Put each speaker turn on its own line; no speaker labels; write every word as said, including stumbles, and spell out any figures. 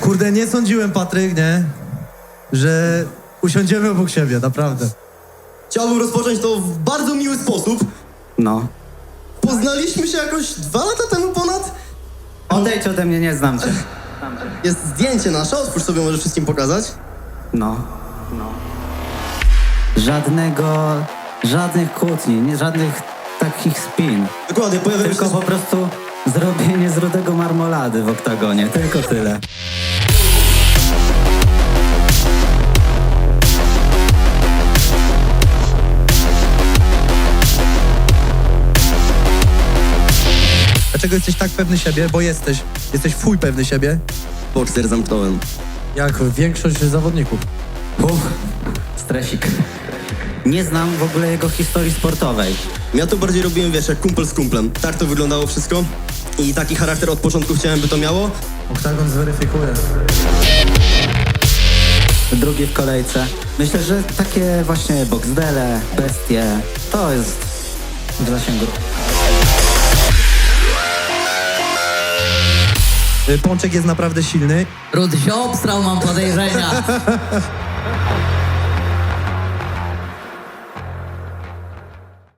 Kurde, nie sądziłem, Patryk, nie? Że usiądziemy obok siebie, naprawdę.
Chciałbym rozpocząć to w bardzo miły sposób.
No.
Poznaliśmy się jakoś dwa lata temu ponad.
Odejdź ode mnie, nie znam cię.
Jest zdjęcie nasze, otwórz sobie, może wszystkim pokazać.
No. No. Żadnego... Żadnych kłótni, nie, żadnych takich spin.
Dokładnie, pojawiają
Tylko
się...
po prostu zrobienie z rudego marmolady w oktagonie. Tylko tyle.
Dlaczego jesteś tak pewny siebie? Bo jesteś. Jesteś fuj pewny siebie.
Bokser zamknąłem.
Jak większość zawodników.
Uff, stresik. Nie znam w ogóle jego historii sportowej.
Ja to bardziej robiłem, wiesz, jak kumpel z kumplem. Tak to wyglądało wszystko. I taki charakter od początku chciałem, by to miało.
Oktagon zweryfikuje.
Drugi w kolejce. Myślę, że takie właśnie boxdele, bestie, to jest w zasięgu.
Y, Pączek jest naprawdę silny.
Rudy się obstrał, mam podejrzenia.